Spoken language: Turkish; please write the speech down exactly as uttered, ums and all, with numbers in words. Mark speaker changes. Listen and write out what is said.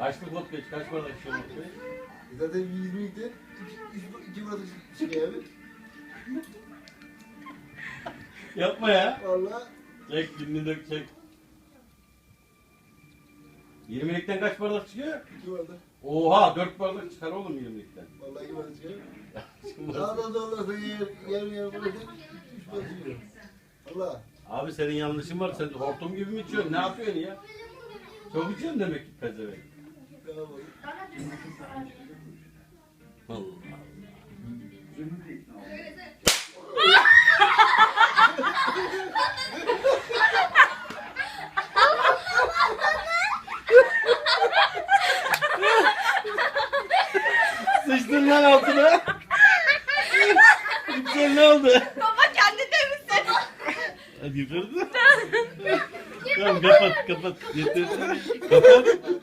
Speaker 1: Kaçlık vodka iç? Kaç bardak içiyorsun vodkayı?
Speaker 2: Zaten yirmi idi. İki, iki bardak çıkıyor abi.
Speaker 1: Yapma ya.
Speaker 2: Valla.
Speaker 1: Çek, dilini dök, çek. yirmilikten kaç bardak çıkıyor?
Speaker 2: iki bardak.
Speaker 1: Oha, dört bardak çıkar oğlum yirmilikten.
Speaker 2: Vallahi iki bardak çıkıyor. Daha da zorlarsa yer yer yer bırakın. Üç bardak çıkıyor. Allah.
Speaker 1: Abi senin yanlışın var. Sen hortum gibi mi içiyorsun? Ne yapıyorsun ya? Çok içiyorsun demek ki pezevenk. Allah Allah. Sıçtın lan altına. Sen ne oldu?
Speaker 3: Baba kendi temizle.
Speaker 1: Hadi yukarıda. Tamam kapat kapat. Yeter. Kapat.